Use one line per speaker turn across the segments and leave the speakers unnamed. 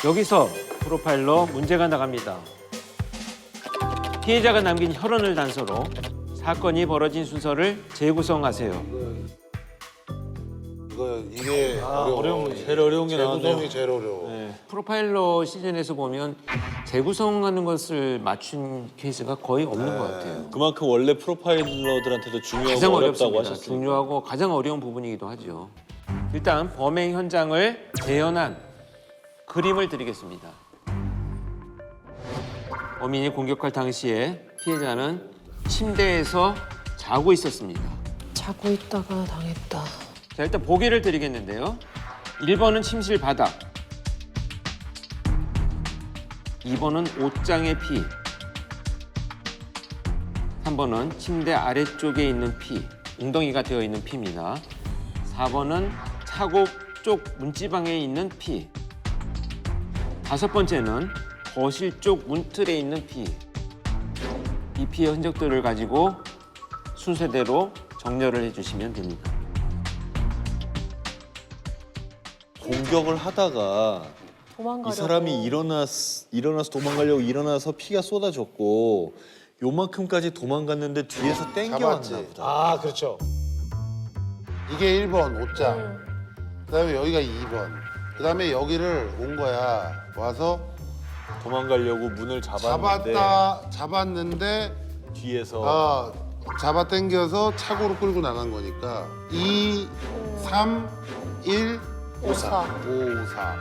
여기서 프로파일러 문제가 나갑니다. 피해자가 남긴 혈흔을 단서로 사건이 벌어진 순서를 재구성하세요.
이게
어려운 문제. 제일 어려운 게 나왔네요.
재구성이 제일 어려워.
네.
프로파일러 시즌에서 보면 재구성하는 것을 맞춘 케이스가 거의 없는 것 같아요.
그만큼 원래 프로파일러들한테도 중요하고
가장
어렵다고
어렵습니다.
하셨으니까.
중요하고 가장 어려운 부분이기도 하죠. 일단 범행 현장을 재현한 그림을 드리겠습니다. 범인이 공격할 당시에 피해자는 침대에서 자고 있었습니다.
자고 있다가 당했다.
자, 일단 보기를 드리겠는데요. 1번은 침실 바닥, 2번은 옷장의 피, 3번은 침대 아래쪽에 있는 피, 웅덩이가 되어 있는 피입니다. 4번은 차고 쪽 문지방에 있는 피, 5번째는 거실 쪽 문틀에 있는 피. 이 피의 흔적들을 가지고 순서대로 정렬을 해주시면 됩니다.
공격을 하다가
도망가려고.
이 사람이 일어나서 도망가려고 일어나서 피가 쏟아졌고 요만큼까지 도망갔는데 뒤에서 땡겨왔나
잡았지.
보다.
아, 그렇죠.
이게 1번 옷장. 그다음에 여기가 2번. 그다음에 여기를 온 거야. 와서
도망가려고 문을 잡았는데
잡았는데
뒤에서
잡아 당겨서 차고로 끌고 나간 거니까 2, 3, 1, 5, 4. 5, 4.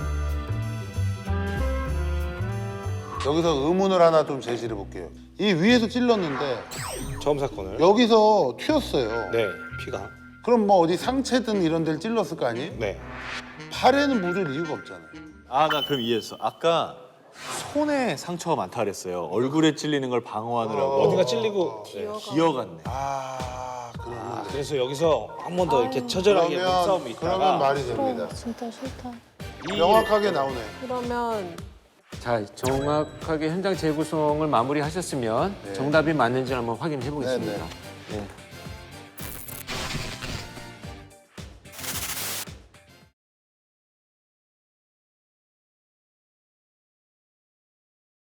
여기서 의문을 하나 좀 제시해 볼게요. 이 위에서 찔렀는데
처음 사건을.
여기서 튀었어요.
네, 피가.
그럼 뭐 어디 상체든 이런 데를 찔렀을 거 아니에요?
네.
팔에는 묻을 이유가 없잖아요.
나 그럼 이해했어. 아까 손에 상처가 많다 그랬어요. 얼굴에 찔리는 걸 방어하느라고.
어디가 찔리고. 네.
기어갔네.
그러면
그래서 여기서 한 번 더 이렇게 처절하게 싸움이 있다가.
그러면 말이 됩니다.
진짜 싫다.
명확하게 나오네.
그러면
자, 정확하게 현장 재구성을 마무리하셨으면 정답이 맞는지 한번 확인해 보겠습니다.
네,
네.